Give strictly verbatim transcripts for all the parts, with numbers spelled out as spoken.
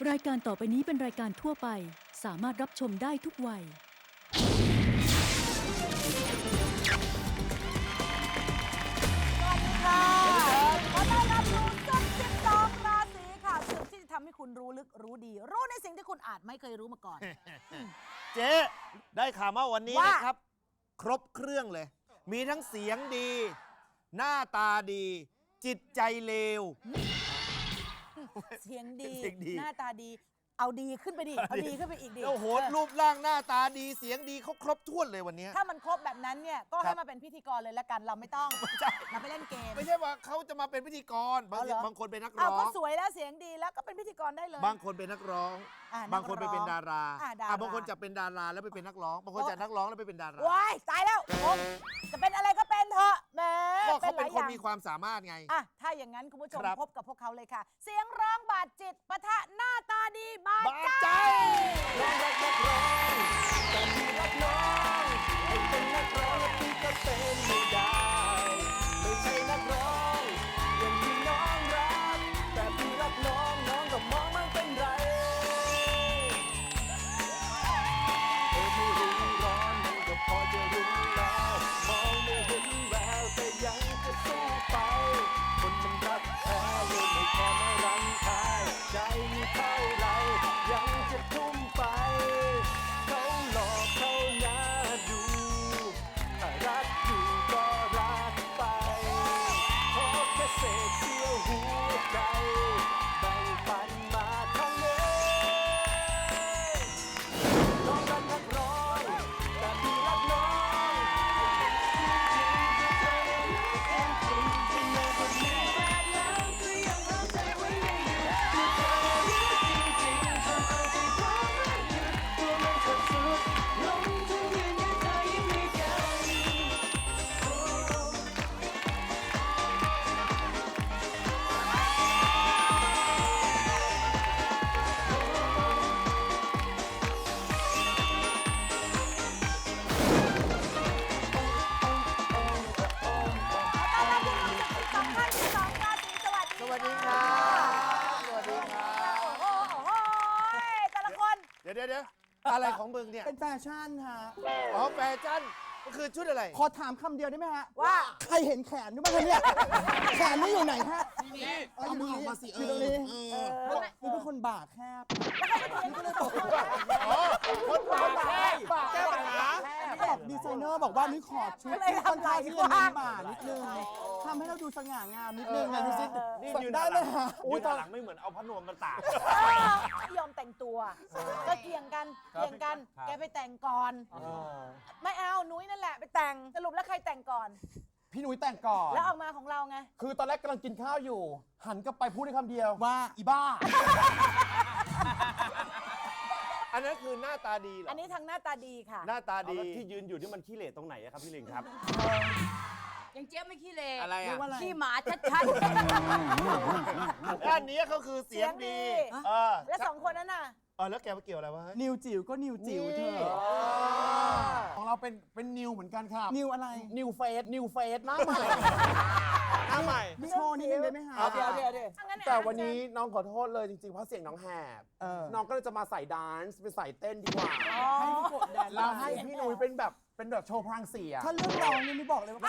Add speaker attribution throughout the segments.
Speaker 1: รายการต่อไปนี้เป็นรายการทั่วไปสามารถรับชมได้ทุกวัย
Speaker 2: สวัสดีค่ะขอต้อนรับสู่ศึกสิบสองราศีค่ะศึกที่จะทำให้คุณรู้ลึกรู้ดี รู้ในสิ่งที่คุณอาจไม่เคยรู้มาก่อน
Speaker 3: เจ๊ได้ข่าวมาวันนี้
Speaker 2: ว่า
Speaker 3: นะครับ ครบเครื่องเลย มีทั้งเสียงดี หน้าตาดี จิตใจเลว
Speaker 2: เสียงดี
Speaker 3: เสียงดี
Speaker 2: หน้าตาดี เอาดีขึ้นไปดิ เอาดีขึ้นไปอีกดิ
Speaker 3: โอ้โห
Speaker 2: เออ
Speaker 3: รูปร่างหน้าตาดีเสียงดีเขาครบถ้วนเลยวันนี้
Speaker 2: ถ้ามันครบแบบนั้นเนี่ย ก็
Speaker 3: ครั
Speaker 2: ให้
Speaker 3: บ
Speaker 2: มาเป็นพิธีกรเลยละกัน เราไม่ต้อง
Speaker 3: ไม่ใช่
Speaker 2: มาไปเล่นเกม
Speaker 3: ไม่ใช่ว่าเขาจะมาเป็นพิธีกร บาง
Speaker 2: เอาเหรอ
Speaker 3: บางคนเป็นนัก
Speaker 2: เอา
Speaker 3: ร้อ
Speaker 2: ก็
Speaker 3: ง
Speaker 2: สวยแล้วเสียงดีแล้วก็เป็นพิธีกรได้เลย
Speaker 3: บางคนเป็นนักร้อง
Speaker 2: อ่ะ
Speaker 3: บางคนไปเป็นดารา
Speaker 2: อ่ะดารา
Speaker 3: อ่ะบางคนจะเป็นดาราแล้วไปเป็นนักร้อง บางคนจากนักร้องแล้วไปเป็นดารา
Speaker 2: ว้ายตายแล้วผมจะเป็นอะไรก็เป็นเถอะแหม
Speaker 3: ก็เขา
Speaker 2: ห
Speaker 3: เป็
Speaker 2: ลาน ย
Speaker 3: ค
Speaker 2: อน ย่าง
Speaker 3: มีความสามารถไง
Speaker 2: อ่ะ ถ้าอย่างนั้นคุณผู้ชม
Speaker 3: ครับ
Speaker 2: พบกับพวกเขาเลยค่ะ เสียงร้องบาดจิตปะทะหน้าตาดีบาด
Speaker 3: บาด
Speaker 2: ใจ
Speaker 3: ใจ
Speaker 4: ร้องรักนักร้องแต่พี่รักน้องให้เป็นนักร้องพี่ก็เป็นไม่ได้ ไม่ใช่นักร้องอย่างที่น้องรักแต่พี่รักน้องน้องก็มองมันเป็นไรเออไม่รู้ร้อนมันก็พอจะรู้แล้วมองไม่เห็นแววแต่ยังจะสู้ไปคนมันรักแท้เลยไม่แค่มารังทายใจมีเท่าไรยังจะทุ่มไป เขาหลอกเขาหน้าดูถ้ารักอยู่ก็รักไปขอแค่เศษเสี้ยวหัวใจแบ่งปันมาทั้งนี้น้องรักนักร้องแต่พี่รักน้องจริงๆที่ในคนนี้แล้วก็ยังเข้าใจว่ายังอยู่ที่เธอจริงๆทำเอาใจพร้อมรักอยู่ตัวมันสุดๆลงทุนยืนยันเธอยังมีกัน
Speaker 2: ต้อนรับผู้ชมศึกสิบสองท่านที่สองราศีสวัสดี
Speaker 3: สวัสดีครับสวัสดีครับ
Speaker 2: โอ้โหโอ้โหแต่ละคน
Speaker 3: เดี๋ยวเดี๋ยวเดี๋ยวอะไรของมึงเนี่ย
Speaker 5: เป็นแฟชั่นฮะ
Speaker 3: อ๋อแฟชั่นก็คือชุดอะไร
Speaker 5: ขอถามคำเดียวได้ไหมฮะ
Speaker 2: ว่า
Speaker 5: ใครเห็นแขนด้วยบ้างคะเนี่ย แขนนี่อยู่ไหนฮะเอามือออกมาสิอยู่ตรงนี้คือเป็นคนบาแคบ
Speaker 3: อ๋อคนปากแค่ปากแก้ปัญหา
Speaker 5: บอกดีไซเนอร์บอกว่านี่ขอชุดที่ค่อนข้างที่จะมีบ่านิดนึงทำให้เราดูสง่างามนิดนึงนะดูสิ
Speaker 3: นี่ยืน
Speaker 5: ได้เลยฮะ
Speaker 3: ยืนหลังไม่เหมือนเอาพัดลมมาตาก
Speaker 2: ไม่ยอมแต่งตัว ก็เถียงกันเถียงกัน แกไปแต่งก่อน ไม่เอา นุ้ยนั่นแหละไปแต่ง สรุปแล้วใครแต่งก่อน
Speaker 5: พี่นุ้ยแต่งก่อน
Speaker 2: แล้วออกมาของเราไง
Speaker 5: คือตอนแรกกำลังกินข้าวอยู่ หันกลับไปพูดได้คำเดียวว่าอีบ้า
Speaker 3: อันนั้นคือหน้าตาดีเหรอ
Speaker 2: อันนี้ทางหน้าตาดีค่ะ
Speaker 3: หน้าตาดี
Speaker 6: ที่ยืนอยู่นี่มันขี้เหร่ตรงไหนอะครับพี่ลิงครับ
Speaker 7: ยังเจี๊ยบไม่ขี้เล
Speaker 3: อะไรอ่ะ
Speaker 7: ขี้หมาชัด
Speaker 3: ด้านนี้เขาคือเสียงดี
Speaker 2: เสียงดี
Speaker 3: เออ
Speaker 2: แล้วสองคนนั้นน่ะ
Speaker 3: เออแล้วแกมาเกี่ยวอะไรวะเฮ้ย
Speaker 5: นิวจิ๋วก็นิวจิ๋วเธอ
Speaker 8: ของเราเป็นเป็นนิวเหมือนกันครับ
Speaker 5: นิวอะไร
Speaker 8: นิวเฟสนิวเฟสหน้าใหม่หน้าใหม่
Speaker 5: พี่โชว์นิดนึงได้ไหมฮะ
Speaker 8: เดี๋ยวเดี๋ยวเดี๋ยว
Speaker 2: เอางั้น
Speaker 8: แต่วันนี้น้องขอโทษเลยจริงๆ เพราะเสียงน้องแหบ
Speaker 5: เออ
Speaker 8: น้องก็เลยจะมาใส่ดานซ์เป็นใส่เต้นดีกว่า
Speaker 5: ให้พี่กดแดน
Speaker 8: แล้วให้พี่นุ้ยเป็นแบบเป็นแบบโชว์พลังเสียง
Speaker 5: ถ้าเรื่องร้องนี่ไม่บอกเลยว่า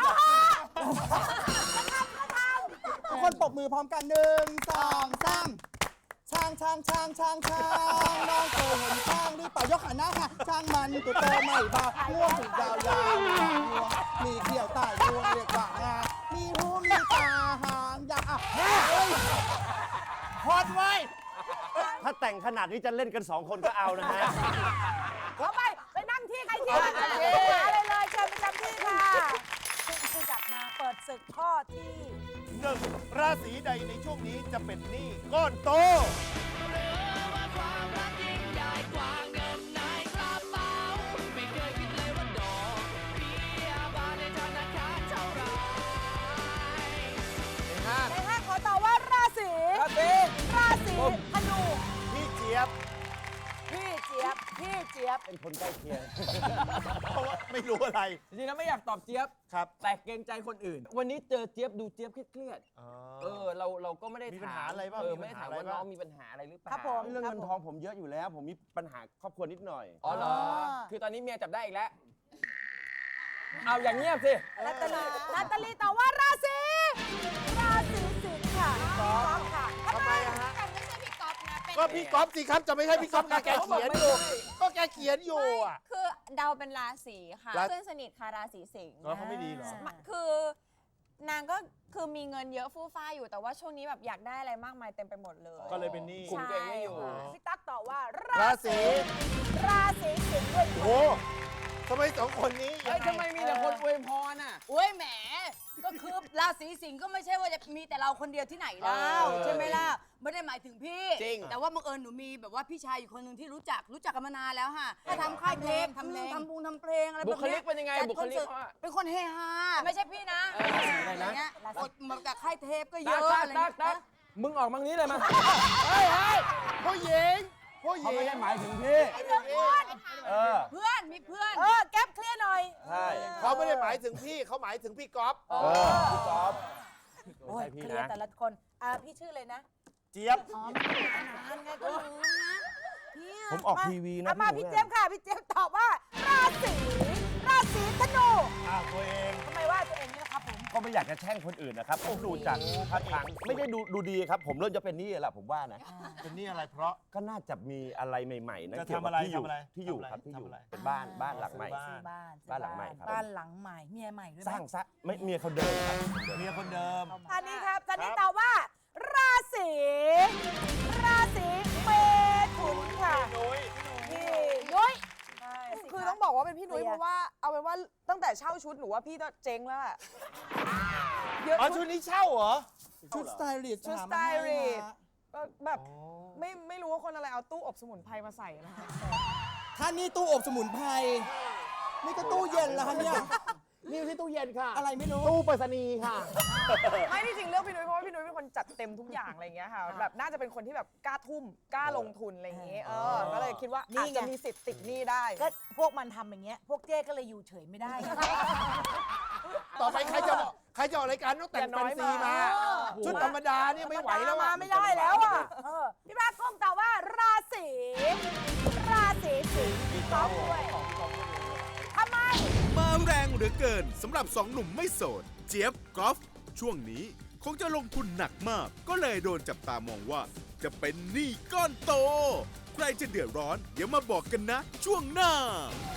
Speaker 5: ทุกคนปรบมือพร้อมกันหนึ่งสองสามช้างช้างช้างช้างช้างน้องเคยเห็นช้างหรือเปล่ายกขาหน้าค่ะช้างมันตัวโตไม่บาง่วงถึงยาวยาวมีงวงมีเขี้ยวใต้งวงเรียกว่างามีหูมีตาหางยาวอ่ะเฮ้ย
Speaker 6: พอดไว้ ถ้าแต่งขนาดนี้จะเล่นกันสองคนก็เอานะฮะ
Speaker 2: ขอไป ไปนั่งที่ใครที่มันจะหาอะไรเลยเชิญประจำที่ค่ะผู้จัดมาเปิดศึกข้อที่
Speaker 3: หนึ่งราศีใดในช่วงนี้จะเป็นหนี้ก้อนโต ในห้า
Speaker 2: ในห้าขอตอบว่าราศีราศีราศีธนู
Speaker 3: พี่เจี๊ยบ
Speaker 2: พี่เจี๊ยบ พี่พี่เจี๊ยบ
Speaker 6: เป็นคนใกล้เคียง
Speaker 3: เพราะว่าไม่รู้อะไร
Speaker 8: จริงๆแล้วไม่อยากตอบเจี๊ยบ
Speaker 3: ครับ
Speaker 8: แต่เกรงใจคนอื่น วันนี้เจอเจี๊ยบดูเจี๊ยบเครียดๆเออเราเราก็ไม่ได้
Speaker 3: มีปัญ
Speaker 8: ถา
Speaker 3: หาม อะไรบ้าง
Speaker 8: เออ
Speaker 3: มี
Speaker 8: ไม่
Speaker 3: ปัญ
Speaker 8: ได้
Speaker 3: หา
Speaker 8: ถาม
Speaker 3: อะไร
Speaker 8: ว่า
Speaker 3: บ้าง
Speaker 8: น้องมีปัญหาอะไรหรือเปล่า
Speaker 2: ครับผม
Speaker 6: เรื่องเงินทองผมเยอะอยู่แล้ว ผมมีปัญหาครอบครัวนิดหน่อย
Speaker 8: อ๋อเหรอ
Speaker 2: อ๋อ
Speaker 8: คือตอนนี้เมียจับได้อีกแล้ว เอาอย่างเงียบสิ
Speaker 2: นาตาลีนาตาลีตอบว่าราศีราศีสิงค์ค่ะพี่ก๊อฟค่ะทำไมอะฮะ
Speaker 7: แต่ไม่ใช่พี่ก๊อฟนะ เป็น
Speaker 3: ก็พี่ก๊อฟสิครับ จะไม่ใช่พี่ก๊อฟค่ะแกเขียนอยู่ ก็แกเขียนอยู่อ่ะ
Speaker 7: คือเดาเป็นราศีค่ะ
Speaker 3: รา
Speaker 7: เพื่อนสนิทค่ะราศีสิงห์
Speaker 3: แล้วเขาไม่ดีเหรอ
Speaker 7: คือนางก็คือมีเงินเยอะฟู่ฟ้าอยู่แต่ว่าช่วงนี้แบบอยากได้อะไรมากมายเต็มไปหมดเลย
Speaker 3: ก็เลยเป็นหนี้
Speaker 8: คุมตัวเองไม่อยู่
Speaker 7: ใช่ค่ะ
Speaker 2: พี่ตั๊กตอบว่า
Speaker 3: ราศี
Speaker 2: ราศีสิงห์ด้วย
Speaker 3: โอ้ทำไมสองคนนี้
Speaker 8: เฮ้ยทำไมมีแต่คนอวยพรอ่ะ
Speaker 7: โอ้ยแหม ก็คือราศีสิงห์ก็ไม่ใช่ว่าจะมีแต่เราคนเดียวที่ไหนแล้
Speaker 8: เอ
Speaker 7: ว
Speaker 8: อ
Speaker 7: ใช่ไหมล่ะ ไม่ได้หมายถึงพี่
Speaker 8: จริง
Speaker 7: แต่ว่าบังเอิญหนูมีแบบว่าพี่ชายอยู่คนหนึ่งที่รู้จักรู้จักกันมานานแล้วค่ะถ้าทำค่ายเพลงทำเพลงทำบุงทำเพลงอะไรแบบ
Speaker 8: บุ
Speaker 7: นี้
Speaker 8: คลิกเป็นยังไง
Speaker 7: จัด
Speaker 8: บุคลิก
Speaker 7: อนเสิร์ต
Speaker 8: เขาอะ
Speaker 7: เป็นคนเฮฮาไม่ใช่พี่นะ
Speaker 8: เอออะไรนะ
Speaker 7: ย่างเงี้ยอดมาจากค่ายเทปก็เย
Speaker 8: ตัก
Speaker 7: อะ
Speaker 8: ตัก
Speaker 7: อะไร
Speaker 8: ตักตัก
Speaker 7: เงี้ย
Speaker 8: มึงออกมังนี้เลยมา
Speaker 3: เฮ้ยเฮ้ยผู้หญิงผู้หญิ
Speaker 6: เขา
Speaker 3: ง
Speaker 6: ไม่ได้หมายถึงพี่ เออ
Speaker 7: เพื่อนมีเพื่อน
Speaker 2: เออแก๊ปเคลียร์หน่อย
Speaker 6: ใช่
Speaker 3: เขาไม่ได้หมายถึงพี่เขาหมายถึงพี่ก๊อฟ
Speaker 6: เออพี่ก๊อฟ
Speaker 2: โอ้ย
Speaker 6: ไม่
Speaker 2: เค
Speaker 6: ใช่พี่
Speaker 2: ลียร์
Speaker 6: นะ
Speaker 2: แต่ละคนอ่าพี่ชื่อเลยนะ
Speaker 3: เจี๊ยบ
Speaker 2: อ๋อไม่ได้ขนาดนั้นไงก็ลืมนะพี่ะ
Speaker 6: ผมออกทีวีนะ
Speaker 2: อ่มา
Speaker 6: พี่
Speaker 2: พี่
Speaker 6: หนู
Speaker 2: เจี๊ยบค่ะพี่เจี๊ยบตอบว่า ราศีราศีธนู
Speaker 3: อ้าวตัวเอง
Speaker 2: ทำไมว่าตัวเองนี่นะครับผม
Speaker 6: ก็ไม่อยากจะแช่งคนอื่นนะครับผมดูจากท่าทางไม่ได้ดูดูดีครับ ผมเริ่มจะเป็นหนี่แหละผมว่านะ
Speaker 3: เป็นหนี่อะไรเพราะ
Speaker 6: ก็น่าจะมีอะไรใหม่ๆนะ
Speaker 3: จะ
Speaker 6: เกี่ยว
Speaker 3: ทำ
Speaker 6: กับ
Speaker 3: อะไร
Speaker 6: ที่อยู่
Speaker 3: ทำอะไร
Speaker 6: ที่อยู่
Speaker 3: ทำอะไร
Speaker 6: ครับที่อยู่
Speaker 3: ทำอะไร
Speaker 6: เป็นบ้านบ้านหลังใหม่
Speaker 3: บ้าน
Speaker 2: ซื้อบ้านซื้อ
Speaker 6: บ้านหลังใหม่ครับ
Speaker 2: บ้านหลังใหม่เมียใหม่ด้วยไห
Speaker 6: ส
Speaker 2: ม
Speaker 6: ร้างซะไม่เมียเขาเดินครับ
Speaker 3: เมียคนเดิม
Speaker 2: ท่านนี้ครับท่านนี้
Speaker 3: ครับ
Speaker 2: ตอบว่า ราศีราศีเมถุนค่ะ
Speaker 3: นุ้ย
Speaker 2: พี่ยุ้ย
Speaker 9: คือต้องบอกว่าเป็นพี่นุ้ยเพราะว่าเอาเป็นว่าตั้งแต่เช่าชุดหนูว่าพี่ก็เจ๊งแล้วอะเยอะ
Speaker 3: อ๋อ
Speaker 9: ชุ
Speaker 3: ชุ
Speaker 9: ด
Speaker 3: ดนี้เช่าเหรอ
Speaker 5: ชุดสไตลิสต์
Speaker 9: ชุด
Speaker 5: หา
Speaker 9: สไต
Speaker 5: มาให้
Speaker 9: ลิสต์
Speaker 5: ฮะ
Speaker 9: ก็แบบไม่ไม่รู้ว่าคนอะไรเอาตู้อบสมุนไพรมาใส่นะคะ
Speaker 5: ท่านนี่ตู้อบสมุนไพรนี่ก็ตู้เย็นแล้วคะเนี่ย
Speaker 8: นี่ที่ตู้เย็นค่ะ
Speaker 5: อะไรไม่รู้
Speaker 8: ตู้ไปรษณีย์ค่ะ
Speaker 9: ไม่ที่จริงเลือกพี่นุ้ยเพราะว่าพี่นุ้ยเป็นคนจัดเต็มทุกอย่างอะไรอย่างเงี้ยค่ะแบบน่าจะเป็นคนที่แบบกล้าทุ่มกล้าลงทุนอะไรอย่างเงี้ยเออก็เลยคิดว่าอาจจะมีสิทธิ์ติดหนี้ได้
Speaker 2: ก็พวกมันทำอย่างเงี้ย พวกเจ๊ก็เลยอยู่เฉยไม่ได้
Speaker 3: ต่อไปใครจะบอกใครจะออกรายการต้องแต่ง
Speaker 9: อย่าน้
Speaker 3: แฟ
Speaker 9: อย
Speaker 3: นซี
Speaker 9: มา
Speaker 3: มา ชุดธรรมดาเนี่ยไม่ไหวแล้ว
Speaker 2: มา
Speaker 3: อะ
Speaker 2: ไม่ได้แล้วอ่ะเออพี่บ้าก้มตอบว่า ราศีราศีสิงห์พี่ก๊อฟด้วยทำไม
Speaker 10: มาแรงเหลือเกินสำหรับสองหนุ่มไม่โสด เจี๊ยบกอล์ฟช่วงนี้คงจะลงทุนหนักมาก ก็เลยโดนจับตามองว่า จะเป็นหนี้ก้อนโต ใครจะเดือดร้อน เดี๋ยวมาบอกกันนะ ช่วงหน้า